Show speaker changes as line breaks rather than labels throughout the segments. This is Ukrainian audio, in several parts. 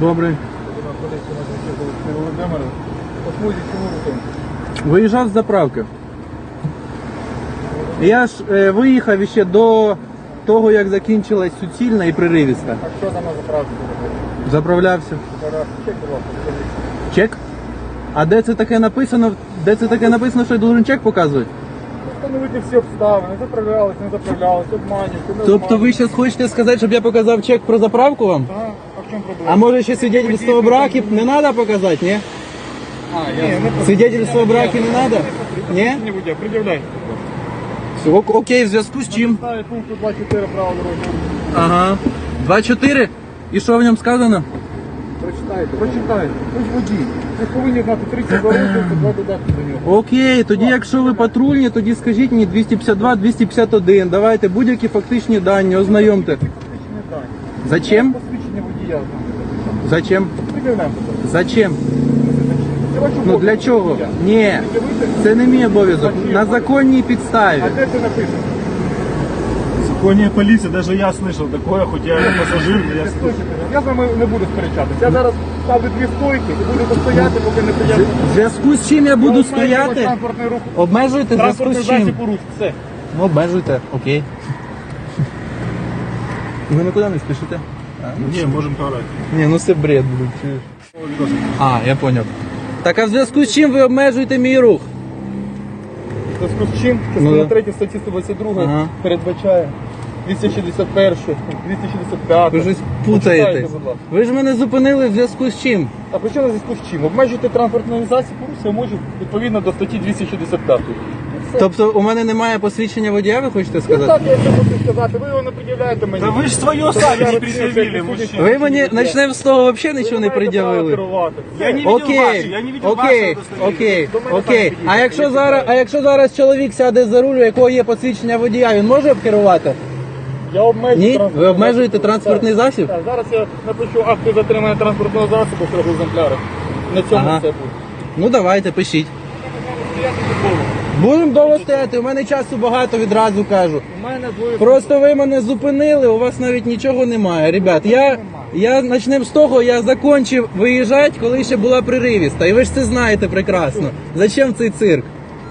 Добре. Виїжджав з заправки. Я ж виїхав ще до того, як закінчилась суцільна і приривіста.
А що там на заправці?
Заправлявся.
Чек, будь ласка, покажіть.
Чек? А де це таке написано? Де це таке написано, що я должен чек показувати?
Встановити всі обставини, заправлялись, не заправлялись, обманюють, не
Тобто ви зараз хочете сказати, щоб я показав чек про заправку вам?
Так, а в чому проблема?
А може ще свидетельство о браке не треба показати, ні? Свидетельство о браке не треба? Ні?
Не будь, пред'являй.
Окей, в зв'язку з чим?
Ставить пункту 24 право дорожнього.
Ага. 2.4? І що в ньому сказано?
Прочитайте. Ви ж водій. Ви повинні знати 32 роки, це 2 додатки до нього.
Окей, тоді якщо ви патрульні, тоді скажіть мені 252, 251. Давайте будь-які фактичні дані, ознайомте.
Фактичні дані.
Зачем?
Посвідчення водія.
Зачем?
Пред'являємо.
Зачем?
Це ваш
Ну
обов'язок
для чого?
водія.
Ні,
Пред'явити?
це не мій обов'язок. На законній підставі.
А де це написано?
Законная полиция, даже я слышал такое, хоть я не пассажир, но я слышал.
Я з вами не буду сперечатися. Я зараз ставлю дві стойки і буду стояти, поки не приїду.
В зв'язку з чим я буду стояти?
Транспортний рух.
Обмежуйте в зв'язку
Транспортний
з чим?
засіб у рух. Все.
Ну, обмежуйте, окей. Ви нікуди не спішите?
Не, можем поорать.
Ні, ну це бред, блядь. А, я поняв. Так, а в зв'язку з чим ви обмежуєте мій рух?
В зв'язку з чим?
Ну,
Частина
да.
3 статті 122
Ага.
передбачає 261, 265.
Ви щось
Почитайте,
путаєтесь.
будь ласка.
Ви ж мене зупинили в зв'язку з чим?
А при чому на зв'язку з чим? Обмежуйте транспортний засіб у русі, можу відповідно до статті 265.
Тобто у мене немає посвідчення водія, ви хочете
Ну
сказати?
так, я це можу сказати, ви його не пред'являєте мені.
Да вы ж свое сами не предъявили, мужчина.
Ви мені почнемо з того взагалі нічого не пред'явили.
Я не видел ваши,
Окей,
я не видел
окей,
вашего
окей,
До мене
окей.
там
А якщо зараз чоловік сяде за руль, у якого є посвідчення водія, він може керувати?
Я обмежую
Ні?
транспортний
Ви обмежуєте
засіб.
транспортний
Так.
засіб?
Так, зараз я напишу акти затримання транспортного засобу в екземплярах. На цьому
Ага.
все буде.
Ну давайте, пишіть. Будемо довго стояти, у мене часу багато, відразу кажу.
У мене двоє.
Просто ви мене зупинили, у вас навіть нічого немає. Ребят, я почнемо з того, я закончив виїжджати, коли ще була приривіста. І ви ж це знаєте прекрасно. Зачем цей цирк?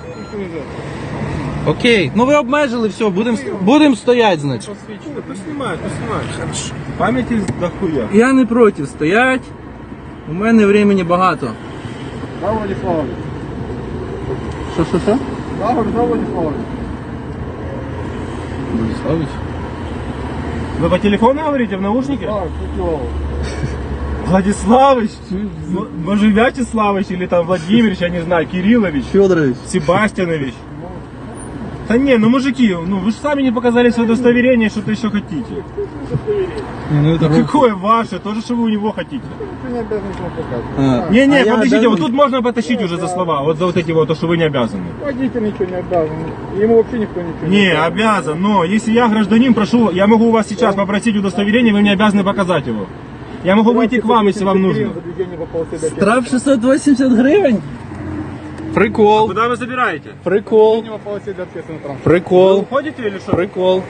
Окей, ну ви обмежили, все, будем стояти, значить.
Посвідчення.
Поснимай, поснимай. Хорошо. Памяти дохуя.
Я не проти стоять. У мене времени багато.
Да, Владиславович?
Що?
Да, Владиславович?
Владиславович?
Вы по телефону говорите в наушнике?
Так, Петлов.
Владиславович, может Вячеславович или там Владимирович, я не знаю, Кириллович,
Федорович.
Себастьянович. Да не, ну мужики, ну вы же сами не показали свое удостоверение, что-то еще хотите.
Ну, это
Какое ваше? То же, что вы у него хотите.
Ты не обязан ничего показывать.
Не,
А я
подождите,
обязан?
вот тут можно потащить уже за слова, вот за вот эти вот, то, что вы не обязаны.
Водитель ничего не обязан. Ему вообще никто ничего не
Не, обязан, но если я гражданин, прошу, я могу у вас сейчас попросить удостоверение, вы мне обязаны показать его. Я могу выйти к вам, если вам нужно.
За движение по полосе до
Штраф 680 гривень? Прикол.
Куда вы забираете?
Прикол.
Движение по полосе для общественного транспорта.
Вы
Прикол.
уходите или что?
Прикол.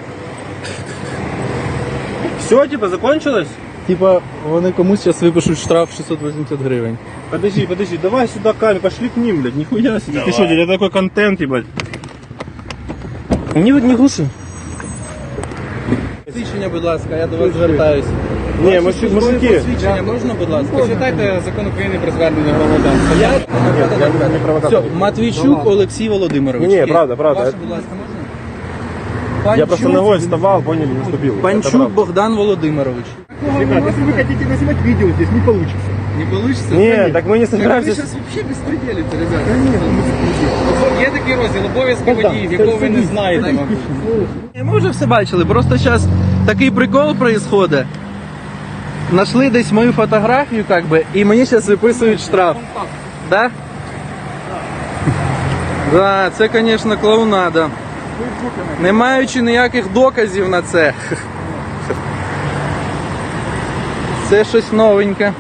Все, типа, закончилось?
Типа, вони комусь зараз випишуть штраф 680 гривень.
Подожди, давай сюда камеру, пошли к ним, блядь, нихуя себе. Ты что, это такой контент, ебать.
Ні, не глуши. Посвідчення, будь ласка, я до вас звертаюся.
Не,
Ваше
мужики.
посвідчення можна, будь ласка?
Почитайте закон України про звернення громадян.
Я
не провокатор.
Все, Матвійчук Олексій Володимирович.
Не, правда.
Ваше, будь ласка, можна?
Я просто ногой вставал, поняли, наступил. Это
Панчук
правда.
Богдан Володимирович.
Ребят, если вы хотите наснимать видео здесь, не получится.
Не получится?
Не, так мы не
Ви
собираемся.
зараз взагалі безпреділите, ребята.
Є такий розділ обов'язки водіїв, якого ви не знаєте.
Ми вже все бачили, просто зараз такий прикол происходит. Нашли десь мою фотографію, как бы, і мені зараз виписують штраф. Да? Да, це, звісно, клоунада. Не маючи ніяких доказів на це. Це щось новеньке.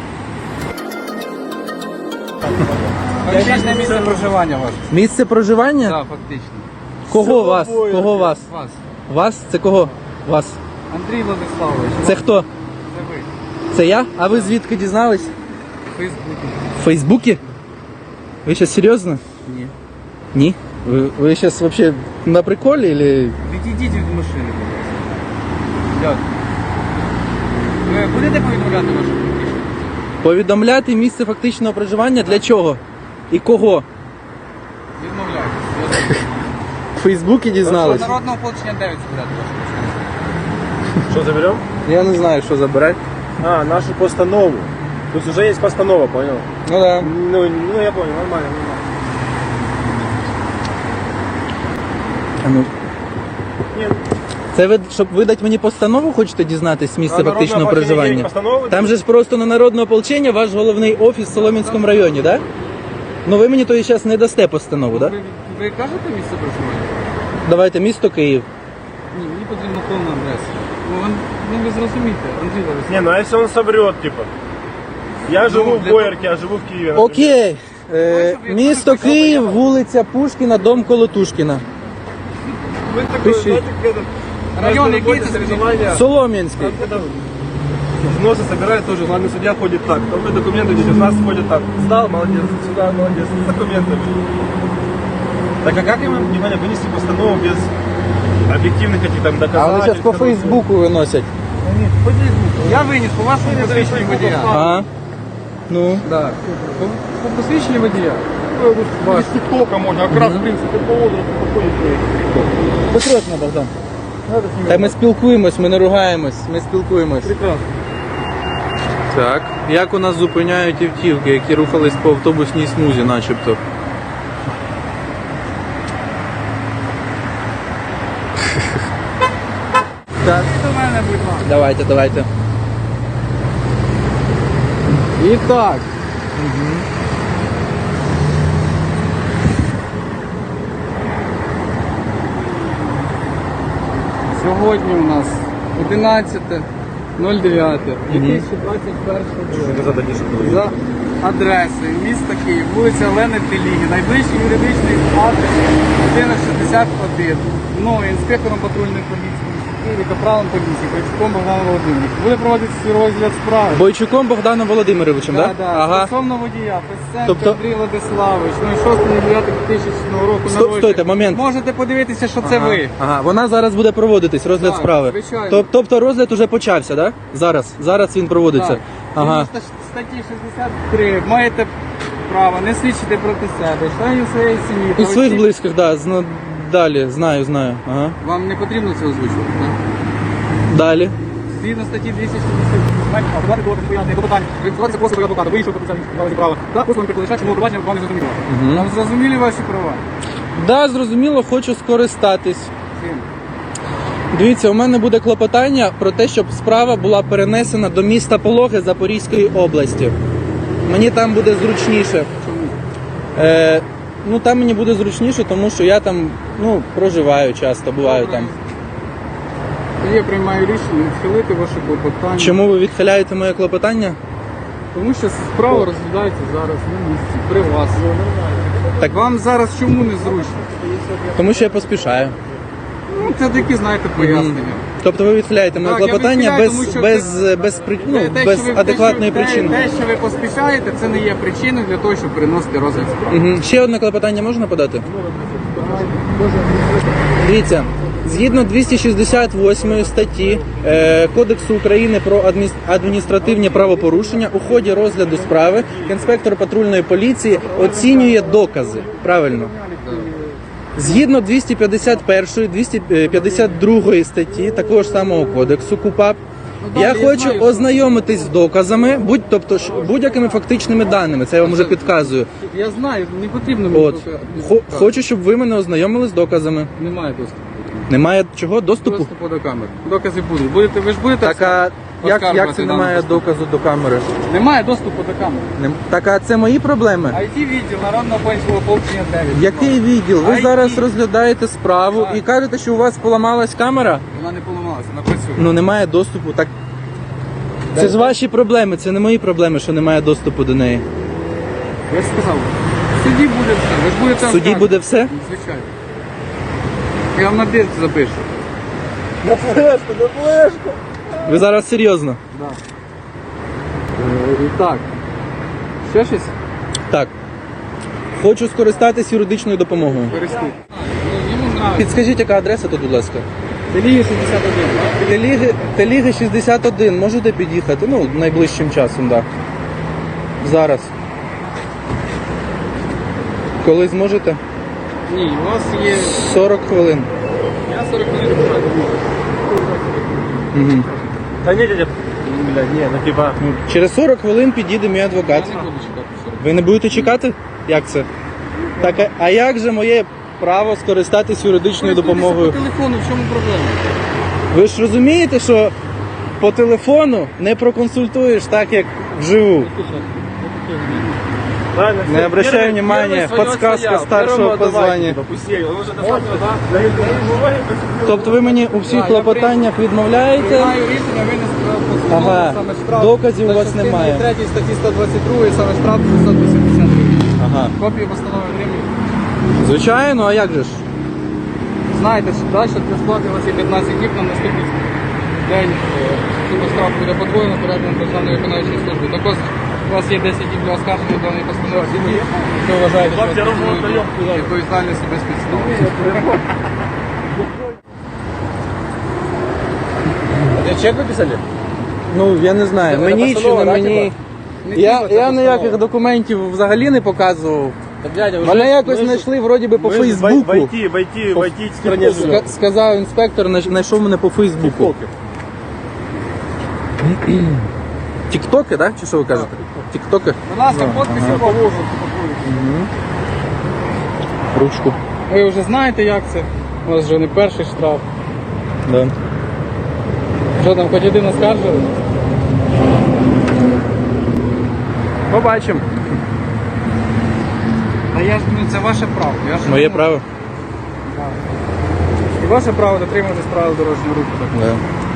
Фактичне місце проживання ваше.
Місце проживання?
Так, фактично.
Кого вас? Кого вас?
Вас.
Вас? Це кого? Вас.
Андрій Владиславович.
Це хто?
Це ви.
Це я? А ви звідки дізнались?
Фейсбуці.
В Фейсбуці? Ви зараз серйозно?
Ні.
Ні? Ви зараз взагалі на приколі или...
Відійдіть від машини, будь ласка. Дякую. Ви будете повідомляти вашу політичну?
Повідомляти місце фактичного проживання для чого? І кого?
Відмовляйтесь.
В Фейсбуці дізнались?
Народного ополчення 9 збирати вашу машину.
Что, заберем?
Я не знаю, що забирати.
А, нашу постанову. То есть уже есть постанова, понял?
Ну да.
Ну я понял, нормально.
А ну.
Ні.
Це ви, щоб видати мені постанову, хочете дізнатись місце
А
фактичного
народне ополчення є
проживання?
постанова?
Там же ж просто на народне ополчення ваш головний офіс в Солом'янському районі, так? Да? Ну ви мені то зараз не дасте постанову, так? Да?
Ви кажете місце проживання?
Давайте, місто Київ.
Ні, мені потрібна повна адреса. Ви зрозумієте, Андрій Ларисович.
Не, ну а если он соврет, типа? Я живу в
для
Боярке, а живу в Киеве.
Окей. Місто Київ, вулиця Пушкіна, дом Колотушкіна.
Вы такой,
Пиши.
знаете, как это...
Район, який
Работе
це
соревнования.
Солом'янський.
Когда взносы собирают тоже, главный судья ходит так. Там вы документы идете, у нас ходит так. Сдал, молодец, сюда, молодец, с документами. Так а как я могу, внимание, вынести постанову без объективных этих там
А вони
доказательств?
зараз по Фейсбуку виносять.
Я виніс по вашому посвідченню водія.
А? Ну.
Да. По посвідченню водія.
Без ТикТока можно, как раз, в принципе, по возрасту подходит человек.
Посрочно, Богдан. Та ми спілкуємось, ми не ругаємось, ми спілкуємось.
Прекрасно.
Так. Як у нас зупиняють автівки, які рухались по автобусній смузі, начебто? Так.
До мене, будь ласка.
Давайте.
І так. Сьогодні у нас 11.09.2021 року. За адресою міста Київ, вулиця Олени Теліги, найближчий юридичний адрес 1161. Мною, інспектором патрульної поліції Києві, капралом поліції, Бойчуком Богданом Володимировичем. Буде проводитися розгляд справи.
Бойчуком Богданом Володимировичем, так?
Да,
Ага.
стосовно водія, Песценко
Тобто-
Андрій Владиславович, 06.09.2000 року народження.
Стойте, момент.
Можете подивитися, що це ви.
Ага, вона зараз буде проводитись, розгляд
Так,
справи.
звичайно.
Тобто розгляд уже почався, так? Да? Зараз він проводиться.
Так.
Ага.
Згідно статті 63 маєте право не свідчити проти себе, членів своєї сім'ї.
І
та
своїх
осіб.
близьких, так. Да, далі, знаю. Ага.
Вам не потрібно це озвучувати, так?
Далі.
Згідно статті 260 подати до пояснення до питань, реєструватися послуги адвоката, вийшов процесуальні права та послуги перекладача, чому обвинувачення вам не зрозуміло. Вам зрозуміли ваші права?
Да, зрозуміло, хочу скористатись.
Чим?
Дивіться, у мене буде клопотання про те, щоб справа була перенесена до міста Пологи Запорізької області. Мені там буде зручніше.
Чому?
Ну там мені буде зручніше, тому що я там проживаю часто, буваю там.
Я приймаю рішення відхилити ваше клопотання.
Чому ви відхиляєте моє клопотання?
Тому що справа розглядається зараз на місці, при вас.
Так.
Вам зараз чому не зручно?
Тому що я поспішаю.
Ну, це такі, знаєте, пояснення.
Тобто ви відхиляєте моє
Так, я
клопотання
відхиляю,
без,
тому що
без адекватної
те,
причини.
Те, що ви поспішаєте, це не є причиною для того, щоб переносити розгляд справи.
Ще одне клопотання можна подати? Дивіться, згідно 268 статті Кодексу України про адміністративні правопорушення, у ході розгляду справи інспектор патрульної поліції оцінює докази. Правильно? Згідно 251, 252 статті такого ж самого кодексу КУпАП, я хочу ознайомитись з доказами, будь-якими фактичними даними. Це я вам вже підказую.
Я знаю, не потрібно мені
От хочу, щоб ви мене ознайомили з доказами.
Немає доступу.
Немає чого доступу.
Доступу до камер. Докази будуть. Ви ж будете
Так а як це
оскаржувати
немає
дану постанову?
доказу до камери?
Немає доступу до камер.
Так а це мої проблеми?
IT-відділ Народного пенсійного ополчення 9.
Який відділ? Ви
IT.
зараз розглядаєте справу
Так.
і кажете, що у вас поламалась камера?
Вона не поламалася, вона працює.
Ну немає доступу. Так це ж ваші проблеми, це не мої проблеми, що немає доступу до неї.
Я ж сказав, в суді буде все. Ви ж будете
В суді
оскаржувати.
буде все?
Звичайно. Я вам на диск запишу.
Ви зараз серйозно?
Да. Так. Ще щось?
Так. Хочу скористатись юридичною допомогою.
Переступ. Йому нравиться.
Підскажіть, яка адреса тут, будь ласка?
Теліги 61, так?
Теліги 61. Можете під'їхати? Ну, найближчим часом, так. Да. Зараз. Коли зможете?
Ні, у вас є...
40 хвилин.
Я 40 хвилин почати.
Угу.
Да не, дядя, блядь, не, ну типа...
Через 40 хвилин підійде мій адвокат.
Я не буду чекати 40.
Ви не будете чекати? Як це? Так, а як же моє право скористатись юридичною допомогою?
По телефону, в чому проблема?
Ви ж розумієте, що по телефону не проконсультуєш так, як вживу.
Правильно,
Не
всё.
обращаю
Первый
внимания,
свое
подсказка
отстоял,
старшего
первому
по
отдавайте,
званию.
типа, пусть едет. Он уже достаточно, да? Дает бумаги,
Тобто ви мені у всіх
Так, я
клопотаннях відмовляєте?
Приймаю рішення винести постанову,
Ага.
саме штраф.
Доказів у
За
вас
частиною
немає.
3 статті 122, саме штраф 680 гривень.
Ага.
Копію постанови отримую.
Звичайно, а як же ж?
Знаєте, що далі для сплати у вас є 15 днів на наступний день. Сума штрафу буде подвоєна переданом Державної виконавчої служби. Також у вас є 10 днів для оскарження даної постанови. Якщо вважаєте, що
Хлопці, я розмову даємо.
відповідальність без підстав.
А чек выписали?
Ну, я не знаю,
Це
мені чи
постанова,
не
да,
мені.
Не
Я
тільки це
ніяких
постанова.
документів взагалі не показував.
Так, дядя, вы
Мене якось знайшли вроді би по Фейсбуку.
Войти в стране живем.
Сказав інспектор, знайшов мене по Фейсбуку. Тіктоки, так? Чи що ви кажете? Тіктоки?
Будь ласка, подписи положу.
Ручку.
Ви вже знаєте, як це. У вас вже не перший штраф.
Да.
Що там, хоч один оскаржили?
Побачимо.
Та я ж, ну, це ваше право. Я ж,
Моє
ну,
право.
І ваше право дотримуватись правил дорожнього руху. Так.
Да.